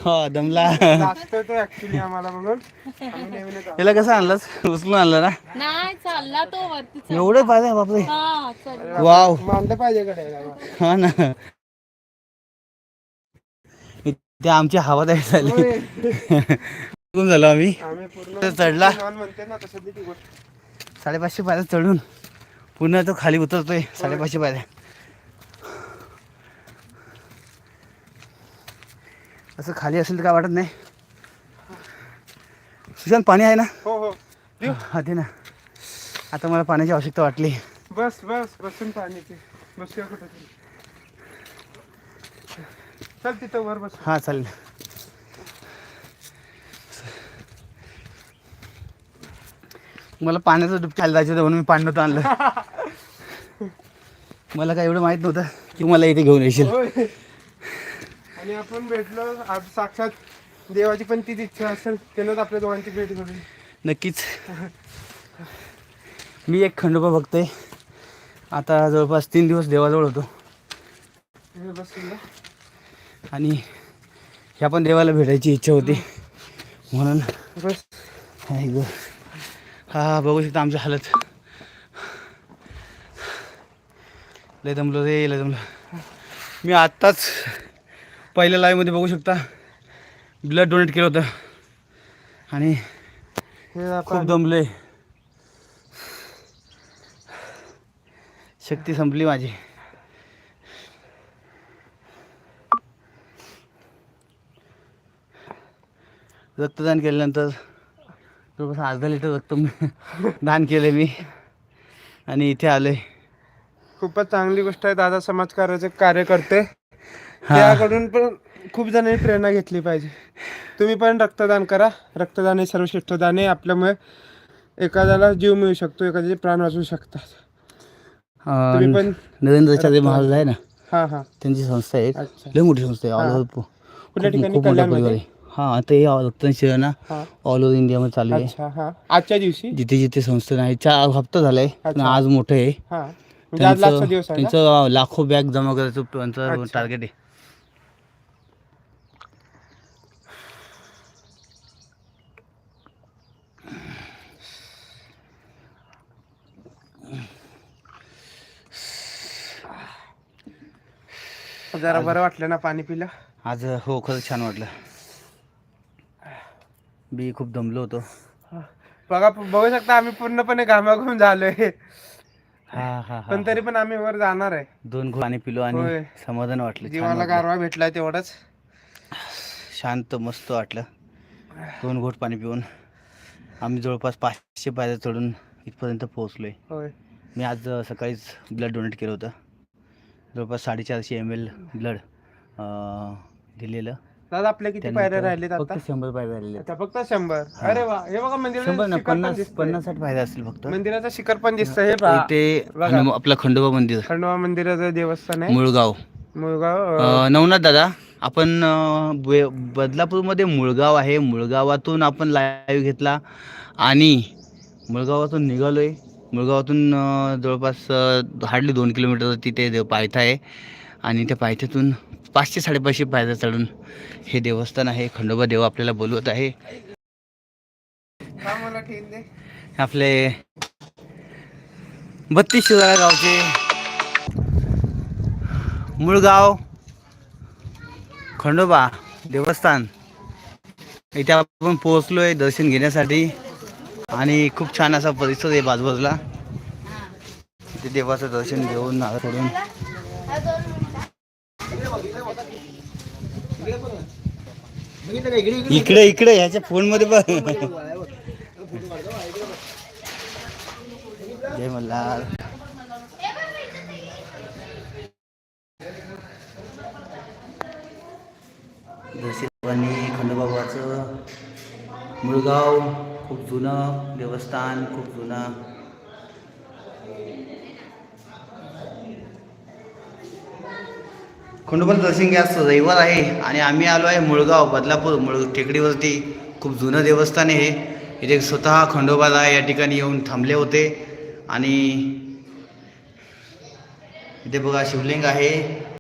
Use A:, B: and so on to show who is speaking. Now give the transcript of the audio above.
A: हो दमला.
B: लागतोय तो ऍक्च्युली आम्हाला म्हणून आम्ही नेहमी येतो.
A: याला कसं आणलास? उचलून आणलं ना?
C: नाही चालला तो वरती चढला.
A: एवढं पाहिजे बापरे.
C: हा चढला.
A: वाव.
B: मांडलं पाहिजे कडे.
A: हा ना. ते आमची हवा तयार झाली. कुठून झालो आम्ही
B: पूर्ण
A: चढला.
B: म्हणते ना तसं ती गोष्ट.
A: 550 पायऱ्या चढून पुन्हा तो खाली उतरतोय. 550 पायऱ्या. असं खाली असेल तर काय वाटत नाही. सुशांत पाणी आहे ना?
B: हो हो
A: हा दे ना. आता मला पाण्याची आवश्यकता वाटली.
B: बस बस बसून पाणी ते बसूया कुठं तरी. चल तिथं वर बस.
A: हा चालेल. मला पाण्याचं डुबकी खायला जायचं होतं म्हणून मी पाणी नव्हतं आणलं. मला काय एवढं माहित नव्हतं की मला इथे घेऊन येशील.
B: आणि आपण भेटलो आज साक्षात देवाची पण तीच इच्छा असेल त्यानंच आपल्या दोघांची भेट घडली.
A: नक्कीच. मी एक खंडोबा बघतोय आता जवळपास 3 दिवस देवाजवळ होतो. आणि ह्या पण देवाला भेटायची इच्छा होती म्हणून
B: बस.
A: हा बघू शकता आमची हालत. लय दमलो रे लय दमलो. मी आत्ताच पहिल्या लाईव्हमध्ये बघू शकता ब्लड डोनेट केलं होतं आणि खूप दमलोय. शक्ती संपली माझी. रक्तदान केल्यानंतर जवळपास अर्धा लिटर रक्त दान केलं मी आणि इथे आलोय.
B: खूपच चांगली गोष्ट आहे. दादा समाजकार्याचे कार्य करते. त्याकडून पण खूप जणांनी प्रेरणा घेतली पाहिजे. तुम्ही पण रक्तदान करा. रक्तदान हे सर्वश्रेष्ठ दान आहे. आपल्यामुळे एखाद्याला जीव मिळू शकतो, एखाद्याचे प्राण वाचू शकतात. तुम्ही पण
A: नरेंद्राचार्य महाराज आहे ना.
B: हां हां
A: त्यांची संस्था आहे.
B: अच्छा.
A: लय मोठी संस्था आहे. ऑल ओव्हर
B: कुठल्या ठिकाणी?
A: खूप मोठा परिवार आहे. हां आता हे रक्तदान शिबिर ना ऑल ओव्हर इंडियामध्ये चालू आहे.
B: अच्छा. हां आजच्या दिवशी
A: जिथे जिथे संस्था आहे 4 हप्ता झालाय पण आज मोठं आहे.
B: हां म्हणजे आज लास्टचा दिवस आहे का?
A: त्यांचं लाखो बॅग जमा करायचं त्यांचं टार्गेट आहे.
B: जरा बरं वाटलं ना पाणी पिलं
A: आज? हो खरंच छान वाटलं. मी खूप दमलो होतो.
B: बघू शकता आम्ही पूर्णपणे घामाघूम झालोय.
A: हा हा
B: पण तरी पण आम्ही वर जाणार आहे.
A: 2 घोट पाणी पिलो आणि समाधान वाटलं.
B: जीवाला गारवा भेटलाय तेवढंच.
A: शांत मस्त वाटलं. 2 घोट पाणी पिऊन आम्ही जवळपास 500 पायऱ्या चढून इथपर्यंत पोहोचलोय.
B: होय.
A: मी आज सकाळीच ब्लड डोनेट केलं होतं. जवळपास 450 ml ब्लड दिलेलं.
B: दादा आपल्या किती पायऱ्या राहिलेत आता?
A: फक्त 100 पायऱ्या राहिलेल्या.
B: अच्छा फक्त 100. अरे वा. हे बघा
A: 50-60 पायऱ्या असतील फक्त.
B: मंदिराचं शिखर पण दिसतंय. हे पहा.
A: ते आपलं खंडोबा मंदिर,
B: खंडोबा मंदिराचं देवस्थान आहे.
A: मुळगाव. नवनाथ दादा आपण बदलापूरमध्ये मुळगाव आहे. मुळगावातून आपण लाईव्ह घेतला आणि मुळगावातून निघालोय. मुळगावातून जवळपास हार्डली 2 किलोमीटर तिथे पायथा आहे आणि त्या पायथ्यातून 500-550 पायऱ्या चढून हे देवस्थान आहे. खंडोबा देव आपल्याला बोलवत आहे. आपले 32 शिराळा गावचे मुळगाव खंडोबा देवस्थान इथे आपण पोहोचलोय दर्शन घेण्यासाठी आणि खूप छान असा परिसर आहे बाजूबाजूला. इथे देवाचं दर्शन घेऊन सोडून इकडे ह्याच्या फोन मध्ये बघ. जय मल्हार. दर्शनी खंडोबाबाचं मुळगाव खूप जुनं देवस्थान, खूप जुनं. खंडोबाचं दर्शन घ्या. रविवार आहे आणि आम्ही आलो आहे मुळगाव बदलापूर टेकडीवरती. खूप जुनं देवस्थान आहे. इथे स्वतः खंडोबाला या ठिकाणी येऊन थांबले होते आणि इथे बघा शिवलिंग आहे.